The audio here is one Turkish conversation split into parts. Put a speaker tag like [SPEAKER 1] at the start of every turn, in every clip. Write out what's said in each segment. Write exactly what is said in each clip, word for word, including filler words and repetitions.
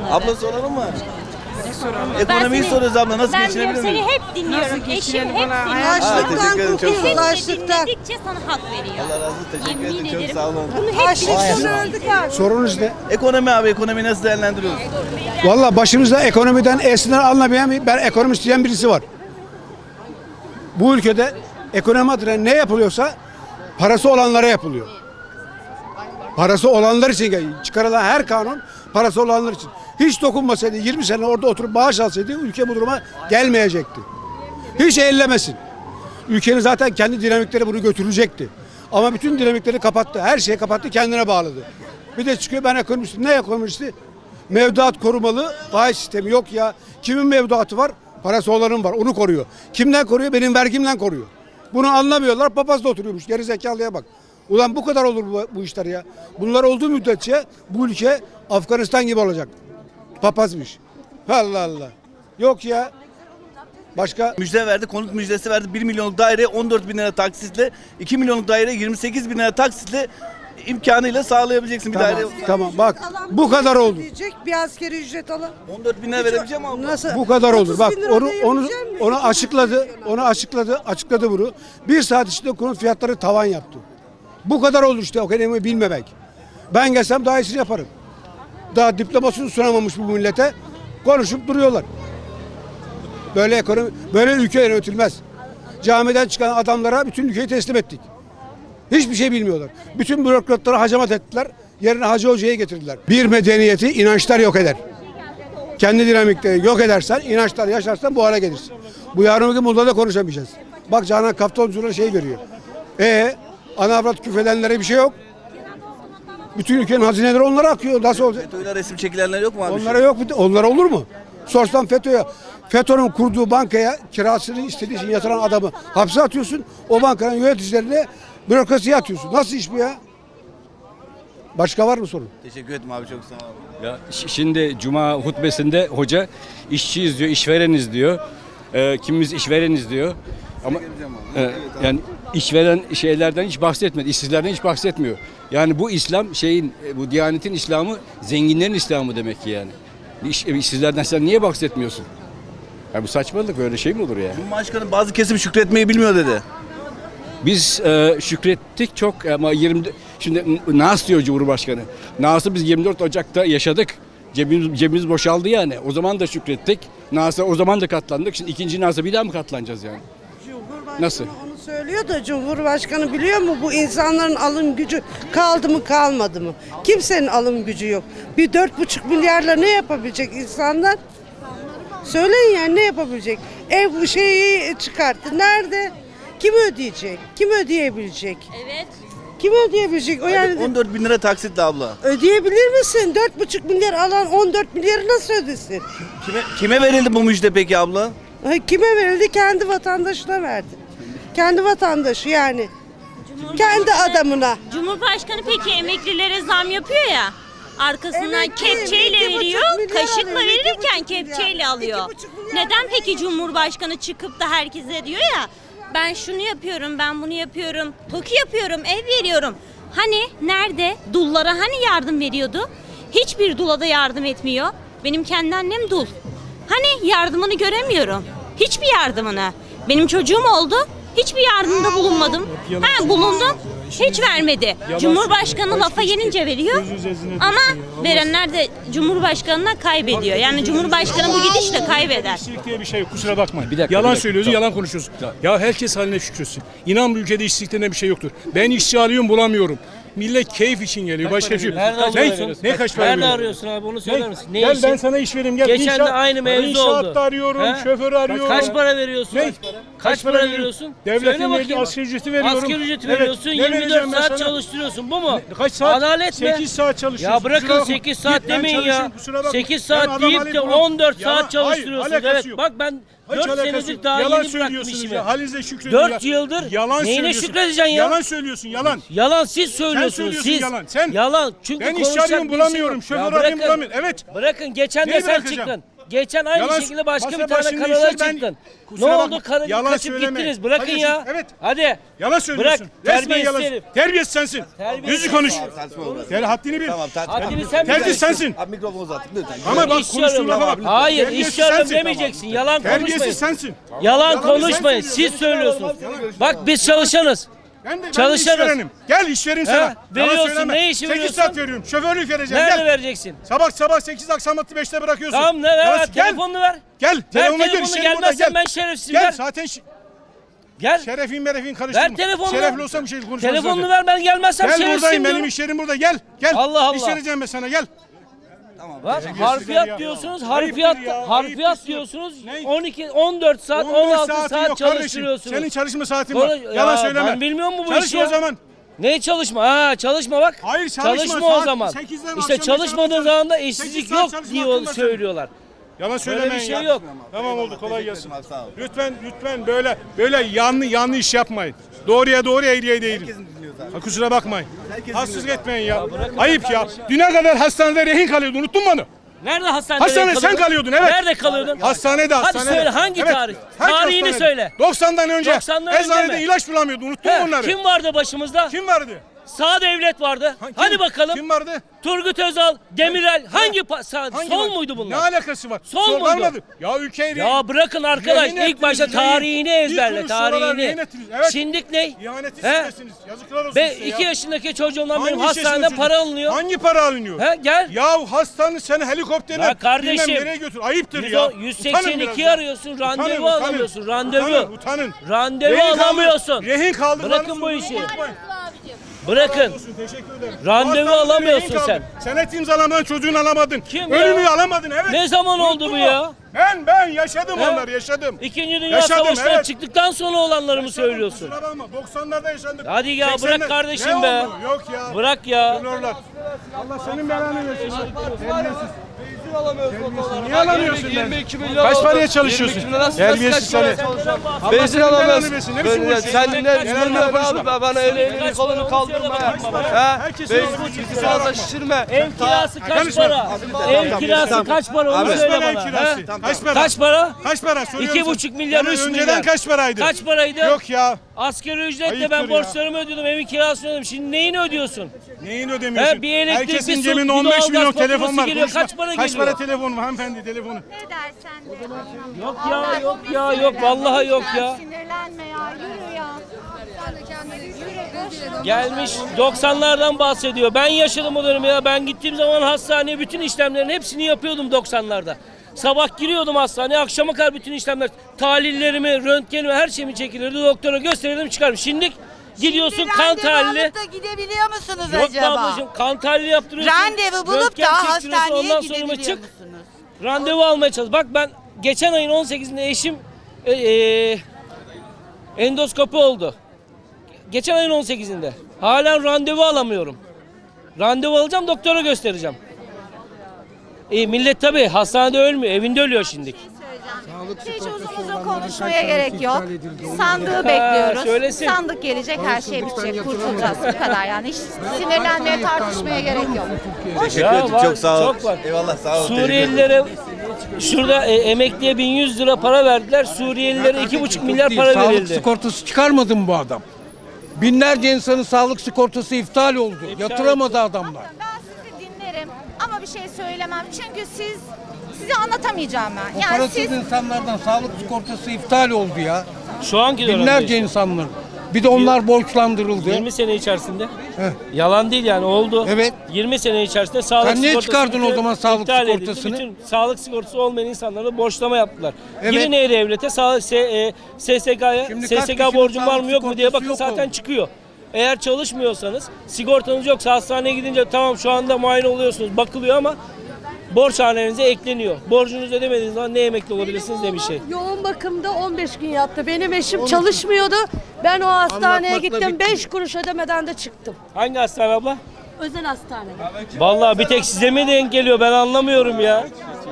[SPEAKER 1] Abla soralım mı?
[SPEAKER 2] Ben
[SPEAKER 1] Ekonomiyi
[SPEAKER 2] seni-
[SPEAKER 1] soruyoruz abla. Nasıl
[SPEAKER 2] Ben
[SPEAKER 1] geçinebilir
[SPEAKER 2] diyorum, seni
[SPEAKER 1] miyim?
[SPEAKER 2] hep dinliyorum. Eşim hep
[SPEAKER 3] geçinelim
[SPEAKER 2] dinliyor.
[SPEAKER 3] bana?
[SPEAKER 1] Aa,
[SPEAKER 3] Açlıktan
[SPEAKER 1] teşekkür ederim, çok sağ olun.
[SPEAKER 3] kurtuluz, açlıktan.
[SPEAKER 2] Dinledikçe sana hak veriyor.
[SPEAKER 1] Allah razı olsun. Teşekkür
[SPEAKER 2] Yemin
[SPEAKER 1] ederim. Çok
[SPEAKER 2] ederim.
[SPEAKER 1] sağ olun.
[SPEAKER 2] Bunu hep
[SPEAKER 3] Açlıktan öldük abi.
[SPEAKER 4] Sorunuz ne?
[SPEAKER 1] Ekonomi abi, ekonomiyi nasıl değerlendiriyoruz?
[SPEAKER 4] Valla başımızda ekonomiden eskiden anlamayan bir, ben ekonomist diyen birisi var. Bu ülkede ekonomi adına ne yapılıyorsa parası olanlara yapılıyor. Parası olanlar için çıkarılan her kanun parası olanlar için. Hiç dokunmasaydı yirmi sene orada oturup maaş alsaydı ülke bu duruma gelmeyecekti. Hiç ellemesin. Ülkenin zaten kendi dinamikleri bunu götürecekti. Ama bütün dinamikleri kapattı. Her şeyi kapattı, kendine bağladı. Bir de çıkıyor ben ekonomistim. Ne ekonomisti? Mevduat korumalı faiz sistemi yok ya. Kimin mevduatı var? Parası olanın var. Onu koruyor. Kimden koruyor? Benim vergimden koruyor. Bunu anlamıyorlar. Papaz da oturuyormuş. Geri zekalıya bak. Ulan bu kadar olur bu, bu işler ya. Bunlar olduğu müddetçe bu ülke Afganistan gibi olacak. Papazmış. Allah Allah. Yok ya. Başka?
[SPEAKER 1] Müjde verdi, konut müjdesi verdi. bir milyonluk daire on dört bin lira taksitle, iki milyonluk daire yirmi sekiz bin lira taksitle imkanıyla sağlayabileceksin bir
[SPEAKER 4] Tamam,
[SPEAKER 1] daire.
[SPEAKER 4] tamam bak bu kadar oldu.
[SPEAKER 3] Diyecek bir askeri ücret alan.
[SPEAKER 1] on dört bin lira verebileceğim abi.
[SPEAKER 3] Nasıl?
[SPEAKER 4] Bu kadar olur.
[SPEAKER 3] otuz
[SPEAKER 4] Bak
[SPEAKER 3] bin lira
[SPEAKER 4] onu onu
[SPEAKER 3] ödeyebilecek mi?
[SPEAKER 4] onu
[SPEAKER 3] İki
[SPEAKER 4] açıkladı.
[SPEAKER 3] buçuk
[SPEAKER 4] Onu açıkladı. Açıkladı bunu. Bir saat içinde konut fiyatları tavan yaptı. Bu kadar olur işte ekonomiyi bilmemek. Ben gelsem daha iyisini yaparım. Daha diplomasını sunamamış bu millete konuşup duruyorlar. Böyle ekonomi, böyle ülke yönetilmez. Camiden çıkan adamlara bütün ülkeyi teslim ettik. Hiçbir şey bilmiyorlar. Bütün bürokratları hacamat ettiler. Yerine Hacı Hoca'yı getirdiler. Bir medeniyeti inançlar yok eder. Kendi dinamikleri yok edersen, inançlar yaşarsan bu hale gelirsin. Bu yarın bir gün burada da konuşamayacağız. Bak Canan Kaftancı'na şey veriyor. E ana avrat küfedenlere bir şey yok. Bütün ülkenin hazineleri onlara akıyor. Nasıl olacak?
[SPEAKER 1] FETÖ'yle resim çekilenler yok mu abi?
[SPEAKER 4] Onlara yok mu? Onlara olur mu? Sorsan FETÖ'ye. FETÖ'nün kurduğu bankaya kirasını istediği için yatıran adamı hapse atıyorsun. O bankanın yöneticilerine bürokrasiye atıyorsun. Nasıl iş bu ya? Başka var mı sorun?
[SPEAKER 1] Teşekkür ederim abi, çok sağ ol abi.
[SPEAKER 5] Ya ş- şimdi Cuma hutbesinde hoca işçiyiz diyor, işvereniz diyor. Ee, kimimiz işvereniz diyor. Ama e, yani işveren şeylerden hiç bahsetmedi, işsizlerden hiç bahsetmiyor. Yani bu İslam şeyin, e, bu Diyanet'in İslamı zenginlerin İslamı demek ki yani. İş, e, işsizlerden sen niye bahsetmiyorsun? Ya bu saçmalık, öyle şey mi olur ya?
[SPEAKER 1] Cumhurbaşkanı bazı kesim şükretmeyi bilmiyor dedi.
[SPEAKER 5] Biz e, şükrettik çok ama yirmi şimdi Nas diyor Cumhurbaşkanı. Nas'ı biz yirmi dört Ocak'ta yaşadık. Cebimiz, cebimiz boşaldı yani. O zaman da şükrettik. Nas'a o zaman da katlandık. Şimdi ikinci Nas'a bir daha mı katlanacağız yani?
[SPEAKER 3] Cumhurbaşkanı
[SPEAKER 5] Nasıl?
[SPEAKER 3] onu söylüyor da Cumhurbaşkanı biliyor mu bu insanların alım gücü kaldı mı kalmadı mı? Kimsenin alım gücü yok. Bir dört buçuk milyarla ne yapabilecek insanlar? Söyleyin yani ne yapabilecek? Ev bu şeyi çıkarttı. Nerede? Kim ödeyecek? Kim ödeyebilecek?
[SPEAKER 2] Evet.
[SPEAKER 3] Kim ödeyebilecek? O yani
[SPEAKER 1] on dört bin lira taksitle abla.
[SPEAKER 3] ödeyebilir misin? Dört buçuk milyar alan on dört milyarı nasıl ödesin?
[SPEAKER 1] Kime, kime verildi bu müjde peki abla?
[SPEAKER 3] Ay, kime verildi? Kendi vatandaşına verdi. Kendi vatandaşı yani. Kendi adamına.
[SPEAKER 2] Cumhurbaşkanı peki emeklilere zam yapıyor ya. Arkasından
[SPEAKER 3] Emekli,
[SPEAKER 2] kepçeyle
[SPEAKER 3] iki buçuk
[SPEAKER 2] veriyor,
[SPEAKER 3] milyar
[SPEAKER 2] kaşıkla
[SPEAKER 3] alıyor, iki
[SPEAKER 2] verirken
[SPEAKER 3] buçuk milyar.
[SPEAKER 2] kepçeyle alıyor.
[SPEAKER 3] İki buçuk milyar
[SPEAKER 2] Neden
[SPEAKER 3] parayı
[SPEAKER 2] peki Cumhurbaşkanı çıkıp da herkese diyor ya, ben şunu yapıyorum, ben bunu yapıyorum, TOKİ yapıyorum, ev veriyorum. Hani nerede? Dullara hani yardım veriyordu? Hiçbir dula da yardım etmiyor. Benim kendi annem dul. Hani yardımını göremiyorum. Hiçbir yardımını. Benim çocuğum oldu. Hiçbir yardımda bulunmadım. Ha bulundum. Hiç vermedi. Cumhurbaşkanı lafa gelince veriyor. Ama verenler de Cumhurbaşkanı'na kaybediyor. Yani Cumhurbaşkanı bu gidişle kaybeder.
[SPEAKER 6] İşsizlik diye bir şey yok, kusura bakmayın.
[SPEAKER 5] Bir dakika,
[SPEAKER 6] yalan
[SPEAKER 5] bir dakika.
[SPEAKER 6] söylüyorsun,
[SPEAKER 5] Tamam.
[SPEAKER 6] yalan konuşuyorsun. Ya herkes haline şükretsin. İnan bu ülkede işsizlik denen bir şey yoktur. Ben işçi alıyorum, bulamıyorum. Millet keyif için geliyor. Başka bir şey yok.
[SPEAKER 7] Nerede
[SPEAKER 6] Ne,
[SPEAKER 7] alıyorsun?
[SPEAKER 6] ne kaç para
[SPEAKER 7] Nerede
[SPEAKER 6] veriyorsun?
[SPEAKER 7] arıyorsun abi onu söyler misin? Ne
[SPEAKER 6] Gel
[SPEAKER 7] işin?
[SPEAKER 6] ben sana iş vereyim. Gel.
[SPEAKER 7] Geçen
[SPEAKER 6] İnşaat-
[SPEAKER 7] de aynı mevzu
[SPEAKER 6] İnşaatta
[SPEAKER 7] oldu.
[SPEAKER 6] arıyorum,
[SPEAKER 7] He?
[SPEAKER 6] şoför arıyorum.
[SPEAKER 7] Kaç para veriyorsun?
[SPEAKER 6] Ne?
[SPEAKER 7] Kaç,
[SPEAKER 6] Kaç
[SPEAKER 7] para,
[SPEAKER 6] para
[SPEAKER 7] veriyorsun?
[SPEAKER 6] Devletin
[SPEAKER 7] Söyle
[SPEAKER 6] verdiği
[SPEAKER 7] bakayım.
[SPEAKER 6] asgari ücreti veriyorum.
[SPEAKER 7] Asgari ücreti
[SPEAKER 6] Evet.
[SPEAKER 7] veriyorsun,
[SPEAKER 6] Ne
[SPEAKER 7] yirmi
[SPEAKER 6] vereceğim
[SPEAKER 7] dört
[SPEAKER 6] ben
[SPEAKER 7] saat
[SPEAKER 6] sana?
[SPEAKER 7] çalıştırıyorsun. Bu mu?
[SPEAKER 6] Kaç saat?
[SPEAKER 7] Adalet mi?
[SPEAKER 6] sekiz saat çalışıyorsun.
[SPEAKER 7] Ya bırakın
[SPEAKER 6] Kusura bakma.
[SPEAKER 7] sekiz saat
[SPEAKER 6] Git, ben
[SPEAKER 7] demeyin ya.
[SPEAKER 6] çalışıyorum, kusura bakma.
[SPEAKER 7] sekiz
[SPEAKER 6] Ben
[SPEAKER 7] saat
[SPEAKER 6] adam
[SPEAKER 7] deyip
[SPEAKER 6] alayım
[SPEAKER 7] de
[SPEAKER 6] bunu-
[SPEAKER 7] on dört
[SPEAKER 6] Yalan-
[SPEAKER 7] saat çalıştırıyorsun.
[SPEAKER 6] Hayır, alakası
[SPEAKER 7] Evet
[SPEAKER 6] yok.
[SPEAKER 7] bak ben
[SPEAKER 6] Hiç
[SPEAKER 7] dört
[SPEAKER 6] alakası
[SPEAKER 7] senedir
[SPEAKER 6] yok.
[SPEAKER 7] daha
[SPEAKER 6] Yalan
[SPEAKER 7] yeni bıraktım
[SPEAKER 6] söylüyorsunuz
[SPEAKER 7] işimi.
[SPEAKER 6] ya. Halinize şükredin
[SPEAKER 7] Dört
[SPEAKER 6] ya.
[SPEAKER 7] yıldır
[SPEAKER 6] yalan
[SPEAKER 7] neyine
[SPEAKER 6] söylüyorsun.
[SPEAKER 7] şükredeceksin ya?
[SPEAKER 6] Yalan söylüyorsun, yalan.
[SPEAKER 7] Yalan siz söylüyorsunuz.
[SPEAKER 6] söylüyorsun
[SPEAKER 7] siz.
[SPEAKER 6] yalan, sen.
[SPEAKER 7] Yalan. Çünkü
[SPEAKER 6] Ben işçi
[SPEAKER 7] konuşacak
[SPEAKER 6] arıyorum,
[SPEAKER 7] birisi
[SPEAKER 6] bulamıyorum.
[SPEAKER 7] yok.
[SPEAKER 6] Şoför
[SPEAKER 7] Ya
[SPEAKER 6] arıyorum,
[SPEAKER 7] bırakın.
[SPEAKER 6] bulamıyorum. Evet.
[SPEAKER 7] Bırakın geçen de
[SPEAKER 6] Neyi
[SPEAKER 7] sen
[SPEAKER 6] bırakacağım?
[SPEAKER 7] çıktın. Geçen aynı
[SPEAKER 6] Yalan-
[SPEAKER 7] şekilde başka
[SPEAKER 6] masa
[SPEAKER 7] bir tane
[SPEAKER 6] başında
[SPEAKER 7] kanala
[SPEAKER 6] işler, ben-
[SPEAKER 7] çıktın. Ne
[SPEAKER 6] Kusura
[SPEAKER 7] oldu?
[SPEAKER 6] bakma,
[SPEAKER 7] Kara-
[SPEAKER 6] yalan
[SPEAKER 7] kaçıp
[SPEAKER 6] söyleme.
[SPEAKER 7] gittiniz. Bırakın
[SPEAKER 6] Hadi
[SPEAKER 7] ya.
[SPEAKER 6] evet.
[SPEAKER 7] Hadi.
[SPEAKER 6] Yalan söylüyorsun.
[SPEAKER 7] Bırak,
[SPEAKER 6] Resmen
[SPEAKER 7] terbiyesiz
[SPEAKER 6] yalan.
[SPEAKER 7] herif.
[SPEAKER 6] Terbiyesiz sensin.
[SPEAKER 7] Terbiyesiz
[SPEAKER 6] Düzgün konuş.
[SPEAKER 1] Saçmalama.
[SPEAKER 6] Yani haddini bil.
[SPEAKER 1] Tamam, tar-
[SPEAKER 7] Haddini sen
[SPEAKER 6] Terbiyesiz
[SPEAKER 7] bileceksin.
[SPEAKER 6] sensin.
[SPEAKER 1] Abi mikrofonu uzattık lütfen.
[SPEAKER 6] Ama bak
[SPEAKER 7] İş
[SPEAKER 6] konuştuğun
[SPEAKER 7] arıyorum
[SPEAKER 6] lafa
[SPEAKER 7] ama.
[SPEAKER 6] bak.
[SPEAKER 7] Hayır,
[SPEAKER 6] Terbiyesiz
[SPEAKER 7] iş arıyorum
[SPEAKER 6] sensin.
[SPEAKER 7] demeyeceksin. Yalan
[SPEAKER 6] Terbiyesiz
[SPEAKER 7] konuşmayın.
[SPEAKER 6] sensin.
[SPEAKER 7] Yalan
[SPEAKER 6] Yalan
[SPEAKER 7] konuşmayın.
[SPEAKER 6] sen
[SPEAKER 7] Siz söylüyorsunuz. Bak biz çalışanız.
[SPEAKER 6] Ben de, ben de
[SPEAKER 7] Çalışırız.
[SPEAKER 6] işverenim. Gel iş vereyim sana. Yalan
[SPEAKER 7] veriyorsun,
[SPEAKER 6] söyleme.
[SPEAKER 7] ne işi
[SPEAKER 6] sekiz
[SPEAKER 7] veriyorsun?
[SPEAKER 6] saat veriyorum. Şoförlük vereceğim.
[SPEAKER 7] Nerede
[SPEAKER 6] Gel.
[SPEAKER 7] vereceksin?
[SPEAKER 6] Sabah sabah sekiz akşam altı beşte bırakıyorsun.
[SPEAKER 7] Tamam ne
[SPEAKER 6] Yalan-
[SPEAKER 7] ver?
[SPEAKER 6] Gel.
[SPEAKER 7] Telefonunu ver.
[SPEAKER 6] Gel.
[SPEAKER 7] Ver
[SPEAKER 6] Telefonuna gel.
[SPEAKER 7] telefonunu,
[SPEAKER 6] işlerim burada.
[SPEAKER 7] gelmezsen
[SPEAKER 6] Gel.
[SPEAKER 7] ben şerefsizim.
[SPEAKER 6] Gel.
[SPEAKER 7] Ver.
[SPEAKER 6] Zaten şi-
[SPEAKER 7] Gel.
[SPEAKER 6] şerefin merefin karıştırma.
[SPEAKER 7] Ver telefonunu.
[SPEAKER 6] Şerefli olsam bir şey konuşmaz
[SPEAKER 7] Telefonunu
[SPEAKER 6] zaten.
[SPEAKER 7] ver, ben gelmezsem
[SPEAKER 6] Gel
[SPEAKER 7] şerefsizim
[SPEAKER 6] buradayım.
[SPEAKER 7] diyorum.
[SPEAKER 6] Benim iş yerim burada. Gel. Gel.
[SPEAKER 7] Allah Allah.
[SPEAKER 6] İş vereceğim ben sana. Gel.
[SPEAKER 7] Bak,
[SPEAKER 6] ya.
[SPEAKER 7] harfiyat diyorsunuz, harfiyat,
[SPEAKER 6] Ayıptır ya,
[SPEAKER 7] harfiyat
[SPEAKER 6] ayıptır.
[SPEAKER 7] diyorsunuz.
[SPEAKER 6] Ne?
[SPEAKER 7] on iki, on dört saat,
[SPEAKER 6] on beş
[SPEAKER 7] on altı
[SPEAKER 6] saatin
[SPEAKER 7] saat
[SPEAKER 6] yok kardeşim.
[SPEAKER 7] çalıştırıyorsunuz.
[SPEAKER 6] Senin çalışma saatin
[SPEAKER 7] Konuş-
[SPEAKER 6] var.
[SPEAKER 7] Ya
[SPEAKER 6] Yalan söyleme.
[SPEAKER 7] ben bilmiyor mu bu
[SPEAKER 6] Çalış
[SPEAKER 7] işi
[SPEAKER 6] o
[SPEAKER 7] ya?
[SPEAKER 6] zaman.
[SPEAKER 7] Ne çalışma? Ha çalışma bak.
[SPEAKER 6] Hayır, çalışma.
[SPEAKER 7] o
[SPEAKER 6] Saat
[SPEAKER 7] zaman.
[SPEAKER 6] sekizden
[SPEAKER 7] İşte
[SPEAKER 6] akşam
[SPEAKER 7] çalışmadığın
[SPEAKER 6] beşe
[SPEAKER 7] zaman da
[SPEAKER 6] sekiz
[SPEAKER 7] işsizlik
[SPEAKER 6] saat
[SPEAKER 7] yok
[SPEAKER 6] çalışma
[SPEAKER 7] diyor
[SPEAKER 6] hakkın var senin.
[SPEAKER 7] söylüyorlar.
[SPEAKER 6] Yalan
[SPEAKER 7] Böyle
[SPEAKER 6] söylemeyin
[SPEAKER 7] bir şey
[SPEAKER 6] ya.
[SPEAKER 7] yok.
[SPEAKER 6] Tamam oldu, kolay
[SPEAKER 1] Teşekkür
[SPEAKER 6] gelsin.
[SPEAKER 1] ederim abi, sağ ol.
[SPEAKER 6] Lütfen lütfen böyle böyle yanlı yanlı iş yapmayın. Doğruya doğru eğriye değil.
[SPEAKER 1] Herkesin dinliyor zaten.
[SPEAKER 6] Ha, kusura bakmayın.
[SPEAKER 1] Herkes
[SPEAKER 6] Haksızlık
[SPEAKER 1] dinliyor.
[SPEAKER 6] etmeyin ya. Ayıp ya. Düne kadar hastanede rehin kalıyordu. Unuttun mu onu?
[SPEAKER 7] Nerede hastanede
[SPEAKER 6] Hastanede sen
[SPEAKER 7] kalıyordun?
[SPEAKER 6] kalıyordun, evet.
[SPEAKER 7] Nerede kalıyordun?
[SPEAKER 6] Hastanede
[SPEAKER 7] Hadi
[SPEAKER 6] hastanede.
[SPEAKER 7] söyle, hangi
[SPEAKER 6] Evet.
[SPEAKER 7] tarih?
[SPEAKER 6] Hangi
[SPEAKER 7] Tarihini
[SPEAKER 6] hastanede?
[SPEAKER 7] söyle.
[SPEAKER 6] doksandan önce
[SPEAKER 7] doksandan önce
[SPEAKER 6] eczanede
[SPEAKER 7] mi?
[SPEAKER 6] ilaç bulamıyordu. Unuttun mu
[SPEAKER 7] He,
[SPEAKER 6] onları?
[SPEAKER 7] kim vardı başımızda?
[SPEAKER 6] Kim vardı?
[SPEAKER 7] Sağ devlet vardı.
[SPEAKER 6] Ha, kim?
[SPEAKER 7] Hadi bakalım.
[SPEAKER 6] Kim vardı?
[SPEAKER 7] Turgut Özal, Demirel hangi pa- sağ-
[SPEAKER 6] Hangi
[SPEAKER 7] sol
[SPEAKER 6] var?
[SPEAKER 7] muydu bunlar?
[SPEAKER 6] Ne alakası var?
[SPEAKER 7] Sol
[SPEAKER 6] Sorgular
[SPEAKER 7] muydu?
[SPEAKER 6] mıydı? Ya ülkeyi
[SPEAKER 7] Ya bırakın arkadaş,
[SPEAKER 6] rehin
[SPEAKER 7] ilk
[SPEAKER 6] ettiniz,
[SPEAKER 7] başta
[SPEAKER 6] rehin.
[SPEAKER 7] tarihini
[SPEAKER 6] Bir
[SPEAKER 7] ezberle,
[SPEAKER 6] kuruş sonradan
[SPEAKER 7] tarihini.
[SPEAKER 6] rehin ettiniz, evet.
[SPEAKER 7] Şimdilik ne?
[SPEAKER 6] İhanet
[SPEAKER 7] He?
[SPEAKER 6] içindesiniz. Yazıklar olsun
[SPEAKER 7] Ve
[SPEAKER 6] size
[SPEAKER 7] iki
[SPEAKER 6] ya.
[SPEAKER 7] yaşındaki çocuğumdan benim
[SPEAKER 6] Hangi
[SPEAKER 7] hastanede
[SPEAKER 6] yaşında
[SPEAKER 7] para
[SPEAKER 6] çocuk?
[SPEAKER 7] alınıyor.
[SPEAKER 6] Hangi para alınıyor?
[SPEAKER 7] He, gel.
[SPEAKER 6] Ya hastanın seni helikopterle
[SPEAKER 7] Ya kardeşim,
[SPEAKER 6] bilmem nereye götür. Ayıptır
[SPEAKER 7] yüz
[SPEAKER 6] ya.
[SPEAKER 7] on- yüz
[SPEAKER 6] Utanın
[SPEAKER 7] seksen
[SPEAKER 6] biraz
[SPEAKER 7] iki
[SPEAKER 6] ya.
[SPEAKER 7] arıyorsun,
[SPEAKER 6] Utanın,
[SPEAKER 7] randevu
[SPEAKER 6] utanın.
[SPEAKER 7] alamıyorsun, randevu.
[SPEAKER 6] Utanın, utanın.
[SPEAKER 7] Randevu
[SPEAKER 6] Rehin kaldı-
[SPEAKER 7] alamıyorsun.
[SPEAKER 6] Rehin kaldırmanı
[SPEAKER 7] Bırakın bu
[SPEAKER 6] sorun
[SPEAKER 7] işi.
[SPEAKER 6] unutmayın.
[SPEAKER 7] Bırakın.
[SPEAKER 6] Olsun, teşekkür ederim.
[SPEAKER 7] Randevu
[SPEAKER 6] Bu hastanede
[SPEAKER 7] alamıyorsun
[SPEAKER 6] rehin kaldı.
[SPEAKER 7] sen.
[SPEAKER 6] Senet imzalamadın, çocuğunu alamadın.
[SPEAKER 7] Kim
[SPEAKER 6] Ölümü
[SPEAKER 7] ya?
[SPEAKER 6] alamadın, evet.
[SPEAKER 7] Ne zaman oldu
[SPEAKER 6] Unuttun
[SPEAKER 7] bu
[SPEAKER 6] mu?
[SPEAKER 7] ya?
[SPEAKER 6] Ben ben yaşadım
[SPEAKER 7] He?
[SPEAKER 6] onları, yaşadım.
[SPEAKER 7] İkinci Dünya
[SPEAKER 6] Yaşadım,
[SPEAKER 7] Savaşı'ndan
[SPEAKER 6] evet.
[SPEAKER 7] çıktıktan sonra olanları mı söylüyorsun?
[SPEAKER 6] Kusura bakma, doksanlarda yaşandık.
[SPEAKER 7] Hadi ya,
[SPEAKER 6] seksenler
[SPEAKER 7] bırak kardeşim
[SPEAKER 6] ne
[SPEAKER 7] be.
[SPEAKER 6] oldu? Yok ya.
[SPEAKER 7] Bırak ya.
[SPEAKER 6] Geliyorlar. Allah senin belanı versin. Terbiyesiz. Niye alamıyorsun ben? Kaç paraya çalışıyorsun? Terbiyesiz seni.
[SPEAKER 8] Benzin alamıyorsun.
[SPEAKER 6] versin. Ne biçim
[SPEAKER 8] Böyle
[SPEAKER 6] konuşuyorsun?
[SPEAKER 8] sen ne
[SPEAKER 6] Genel
[SPEAKER 8] bilmiyorum
[SPEAKER 6] müdür
[SPEAKER 8] abi.
[SPEAKER 6] konuşma.
[SPEAKER 8] Bana öyle elini
[SPEAKER 7] Kaç
[SPEAKER 8] kolunu
[SPEAKER 7] para,
[SPEAKER 8] kaldırma
[SPEAKER 7] onu
[SPEAKER 8] ya.
[SPEAKER 7] söyle bakayım
[SPEAKER 8] Ha?
[SPEAKER 6] Herkes
[SPEAKER 8] Benzin
[SPEAKER 6] sorumlu.
[SPEAKER 8] bizi fazla şişirme.
[SPEAKER 7] Ev kirası kaç
[SPEAKER 6] Karışma.
[SPEAKER 7] para? Ev kirası kaç para onu
[SPEAKER 8] Abi.
[SPEAKER 6] Kaç
[SPEAKER 7] söyle
[SPEAKER 6] para
[SPEAKER 7] bana.
[SPEAKER 6] kirası?
[SPEAKER 7] he?
[SPEAKER 6] Kaç para?
[SPEAKER 7] Kaç para?
[SPEAKER 6] Kaç para? Soruyorum
[SPEAKER 7] İki
[SPEAKER 6] sana.
[SPEAKER 7] buçuk milyar,
[SPEAKER 6] Yani
[SPEAKER 7] üç
[SPEAKER 6] önceden
[SPEAKER 7] milyar.
[SPEAKER 6] kaç paraydı?
[SPEAKER 7] Kaç paraydı?
[SPEAKER 6] Yok ya.
[SPEAKER 7] Asgari ücretle
[SPEAKER 6] Ayıptır
[SPEAKER 7] ben
[SPEAKER 6] ya.
[SPEAKER 7] borçlarımı ödüyordum, evin kirasını ödüyordum. Şimdi neyini ödüyorsun?
[SPEAKER 6] Neyini ödemiyorsun?
[SPEAKER 7] He, bir elektrik, bir
[SPEAKER 6] Herkesin
[SPEAKER 7] su,
[SPEAKER 6] cebinde
[SPEAKER 7] bir
[SPEAKER 6] on beş
[SPEAKER 7] doğalgaz
[SPEAKER 6] milyon telefon
[SPEAKER 7] faturası
[SPEAKER 6] var.
[SPEAKER 7] geliyor.
[SPEAKER 6] Konuşma.
[SPEAKER 7] Kaç para
[SPEAKER 6] Kaç
[SPEAKER 7] geliyor?
[SPEAKER 6] para telefon var hanımefendi telefonu?
[SPEAKER 9] Ne dersen de.
[SPEAKER 7] Yok ya, yok ya, yok vallahi yok ya.
[SPEAKER 9] Sinirlenme ya, yürü ya. Sen de kendini yürü, boş ver.
[SPEAKER 7] Gelmiş doksanlardan bahsediyor. Ben yaşadım o dönemi ya. Ben gittiğim zaman hastaneye bütün işlemlerin hepsini yapıyordum doksanlarda. Sabah giriyordum hastaneye, akşama kadar bütün işlemler, tahlillerimi, röntgenimi, her şeyimi çekilirdi. Doktora gösterirdim, çıkarım. Şimdi gidiyorsun kan
[SPEAKER 10] Randevu
[SPEAKER 7] tahlili.
[SPEAKER 10] alıp da gidebiliyor musunuz
[SPEAKER 7] Yok be
[SPEAKER 10] acaba?
[SPEAKER 7] ablacığım, kan tahlili yaptırıyorsun.
[SPEAKER 10] Randevu bulup
[SPEAKER 7] röntgen
[SPEAKER 10] da
[SPEAKER 7] çektiriyorsun,
[SPEAKER 10] hastaneye
[SPEAKER 7] ondan sonra mı
[SPEAKER 10] gidebiliyor
[SPEAKER 7] çık,
[SPEAKER 10] musunuz?
[SPEAKER 7] randevu almaya çalış. Bak ben geçen ayın on sekizinde eşim e, e, endoskopi oldu. Geçen ayın on sekizinde. Halen randevu alamıyorum. Randevu alacağım, doktora göstereceğim. E, millet tabii hastanede ölmüyor, evinde ölüyor şimdi.
[SPEAKER 9] Hiç uzun uzun konuşmaya gerek yok. Sandığı bekliyoruz.
[SPEAKER 7] söylesin.
[SPEAKER 9] Sandık gelecek, her şey bitecek, kurtulacağız. Bu kadar yani. Hiç sinirlenmeye, tartışmaya gerek yok.
[SPEAKER 1] Teşekkür
[SPEAKER 7] Ya
[SPEAKER 1] ederim.
[SPEAKER 7] var,
[SPEAKER 1] Çok sağ ol.
[SPEAKER 7] çok var.
[SPEAKER 1] Eyvallah sağ ol. Teşekkür ederim.
[SPEAKER 7] Suriyelilere şurada e, emekliye bin yüz lira para verdiler. Suriyelilere iki buçuk milyar para
[SPEAKER 11] Sağlık
[SPEAKER 7] verildi.
[SPEAKER 11] sigortası çıkarmadı mı bu adam? Binlerce insanın sağlık sigortası iptal oldu. Yatıramadı adamlar.
[SPEAKER 9] Ben sizi dinlerim ama bir şey söylemem. Çünkü siz, size anlatamayacağım ben.
[SPEAKER 11] O
[SPEAKER 9] Yani
[SPEAKER 11] parasız
[SPEAKER 9] siz
[SPEAKER 11] insanlardan sağlık sigortası iptal oldu ya.
[SPEAKER 7] Şu anki dönemde.
[SPEAKER 11] Binlerce insanlar. Bir de onlar borçlandırıldı.
[SPEAKER 7] yirmi sene içerisinde.
[SPEAKER 11] Heh.
[SPEAKER 7] Yalan değil yani oldu.
[SPEAKER 11] Evet.
[SPEAKER 7] yirmi sene içerisinde sağlık
[SPEAKER 11] Sen niye
[SPEAKER 7] sigortası
[SPEAKER 11] çıkardın o
[SPEAKER 7] bütün
[SPEAKER 11] zaman sağlık
[SPEAKER 7] iptal edildi.
[SPEAKER 11] sigortasını?
[SPEAKER 7] Bütün sağlık sigortası olmayan insanlara borçlama yaptılar.
[SPEAKER 11] Evet.
[SPEAKER 7] Girin E-Devlet'e sağlık S, e, S S K'ya
[SPEAKER 11] Şimdi
[SPEAKER 7] S
[SPEAKER 11] kaç
[SPEAKER 7] S K
[SPEAKER 11] kişinin
[SPEAKER 7] borcum var
[SPEAKER 11] sağlık
[SPEAKER 7] mı yok mu diye
[SPEAKER 11] sigortası
[SPEAKER 7] bakın
[SPEAKER 11] yok
[SPEAKER 7] zaten
[SPEAKER 11] oldu.
[SPEAKER 7] çıkıyor. Eğer çalışmıyorsanız, sigortanız yoksa hastaneye gidince tamam şu anda muayene oluyorsunuz, bakılıyor ama borç hanenize ekleniyor. Borcunuzu ödemediğiniz zaman ne emekli olabilirsiniz ne bir şey.
[SPEAKER 12] Yoğun bakımda on beş gün yattı. Benim eşim çalışmıyordu. Ben o hastaneye
[SPEAKER 11] Anlatmakla
[SPEAKER 12] gittim.
[SPEAKER 11] bitti.
[SPEAKER 12] beş kuruş ödemeden de çıktım.
[SPEAKER 7] Hangi hastane abla?
[SPEAKER 12] Özel hastane.
[SPEAKER 7] Vallahi bir tek size mi denk geliyor ben anlamıyorum ya.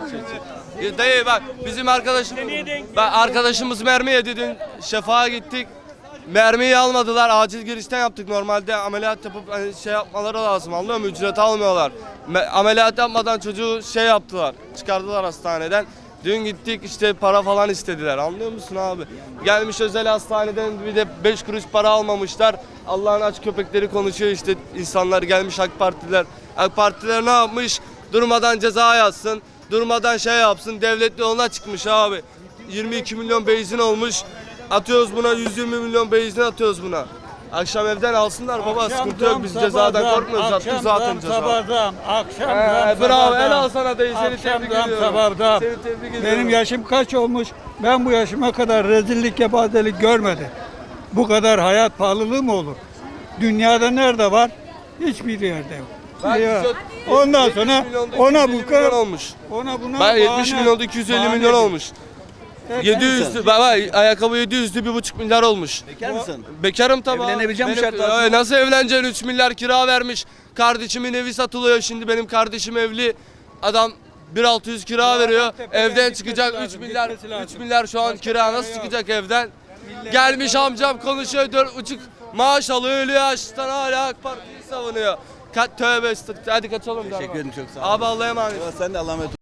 [SPEAKER 8] Dayı bak bizim arkadaşımız,
[SPEAKER 7] Niye denk
[SPEAKER 8] bak arkadaşımız mermi yedi dün şefağa gittik. Mermiyi almadılar. Acil girişten yaptık. Normalde ameliyat yapıp hani şey yapmaları lazım. Anlıyor musun? Ücret almıyorlar. Me- ameliyat yapmadan çocuğu şey yaptılar. Çıkardılar hastaneden. Dün gittik işte para falan istediler. Anlıyor musun abi? Gelmiş özel hastaneden bir de beş kuruş para almamışlar. Allah'ın aç köpekleri konuşuyor işte, insanlar gelmiş AK Partiler. AK Partiler ne yapmış? Durmadan ceza yazsın. Durmadan şey yapsın. Devlet yoluna çıkmış abi. yirmi iki milyon benzin olmuş. Atıyoruz buna, yüz yirmi milyon benzin atıyoruz buna. Akşam evden alsınlar baba, sıkıntı yok, biz cezadan korkmuyoruz, attık zaten ceza.
[SPEAKER 6] Sabahdan, akşam
[SPEAKER 8] Ee, bravo, el al sana dayı, seni tebrik ediyorum.
[SPEAKER 6] sabahdan.
[SPEAKER 8] Seni tebrik ediyorum.
[SPEAKER 6] Benim yaşım kaç olmuş? Ben bu yaşıma kadar rezillik, kepazelik görmedim. Bu kadar hayat pahalılığı mı olur? Dünyada nerede var? Hiçbir yerde yok.
[SPEAKER 8] Ben
[SPEAKER 6] Ya.
[SPEAKER 8] yüz-
[SPEAKER 6] Ondan
[SPEAKER 8] yetmiş
[SPEAKER 6] sonra
[SPEAKER 8] milyonda
[SPEAKER 6] ona
[SPEAKER 8] iki yüz elli
[SPEAKER 6] bu kadar
[SPEAKER 8] milyon olmuş.
[SPEAKER 6] ona buna
[SPEAKER 8] Ben yetmiş
[SPEAKER 6] bahane-
[SPEAKER 8] milyonda iki yüz elli milyon
[SPEAKER 6] bahanedir.
[SPEAKER 8] olmuş. yedi yüzlü, baba ayakkabı yedi yüzlü bir buçuk milyar olmuş.
[SPEAKER 1] Bekar mısın?
[SPEAKER 8] Bekarım tabii. abi.
[SPEAKER 1] Evlenebileceğim
[SPEAKER 8] Benim-
[SPEAKER 1] şartlar altında.
[SPEAKER 8] Ay, nasıl evleneceksin? üç milyar kira vermiş. Kardeşimin evi satılıyor şimdi, benim kardeşim evli. Adam bin altı yüz kira veriyor.
[SPEAKER 6] tepeden
[SPEAKER 8] Evden
[SPEAKER 6] gitmesi
[SPEAKER 8] çıkacak üç
[SPEAKER 6] lazım,
[SPEAKER 8] milyar.
[SPEAKER 6] gitmesi lazım.
[SPEAKER 8] üç milyar şu an
[SPEAKER 6] Başka
[SPEAKER 8] kira,
[SPEAKER 6] çare
[SPEAKER 8] nasıl
[SPEAKER 6] yok.
[SPEAKER 8] çıkacak evden? Gelmiş amcam konuşuyor, dört buçuk maaş alıyor, ölüyor açlıktan, hala AK Parti'yi savunuyor. Ka tövbe estağfurullah. Hadi kaçalım.
[SPEAKER 1] Teşekkür ederim, çok sağ ol.
[SPEAKER 8] Abi Allah'a emanet.
[SPEAKER 1] Sen de Allah'a emanet ol.